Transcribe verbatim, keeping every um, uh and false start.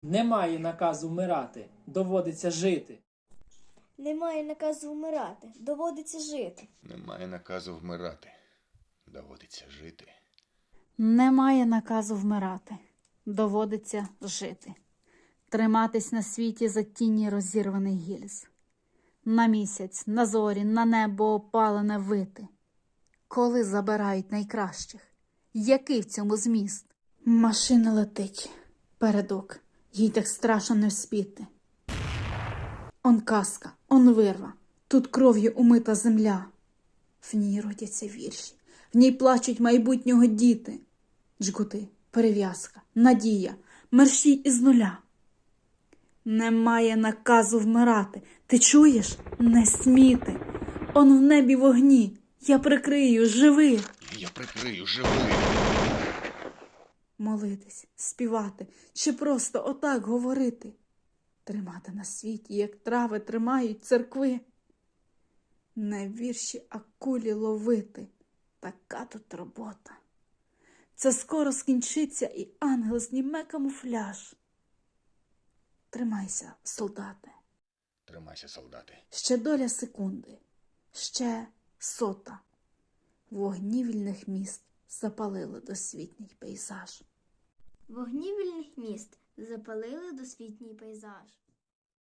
Немає наказу вмирати, доводиться жити. Немає наказу вмирати, доводиться жити. Немає наказу вмирати. Доводиться жити. Немає наказу вмирати, доводиться жити. Триматись на світі за тіні розірваних гільз. На місяць, на зорі, на небо опалене вити. Коли забирають найкращих? Який в цьому зміст? Машина летить. Передок. Їй так страшно не вспіти. Он казка, он вирва. Тут кров'ю умита земля. В ній родяться вірші. В ній плачуть майбутнього діти. Джгути, перев'язка, надія, мерщій із нуля. Немає наказу вмирати. Ти чуєш? Не сміти. Он в небі вогні. Я прикрию, живи. Я прикрию, живий. Молитись, співати чи просто отак говорити. Тримати на світі, як трави тримають церкви. Не вірші, а кулі ловити. Така тут робота. Це скоро скінчиться, і ангел зніме камуфляж. Тримайся, солдати. Тримайся, солдати. Ще доля секунди. Ще сота. Вогні вільних міст запалили досвітній пейзаж. Вогні вільних міст запалили досвітній пейзаж.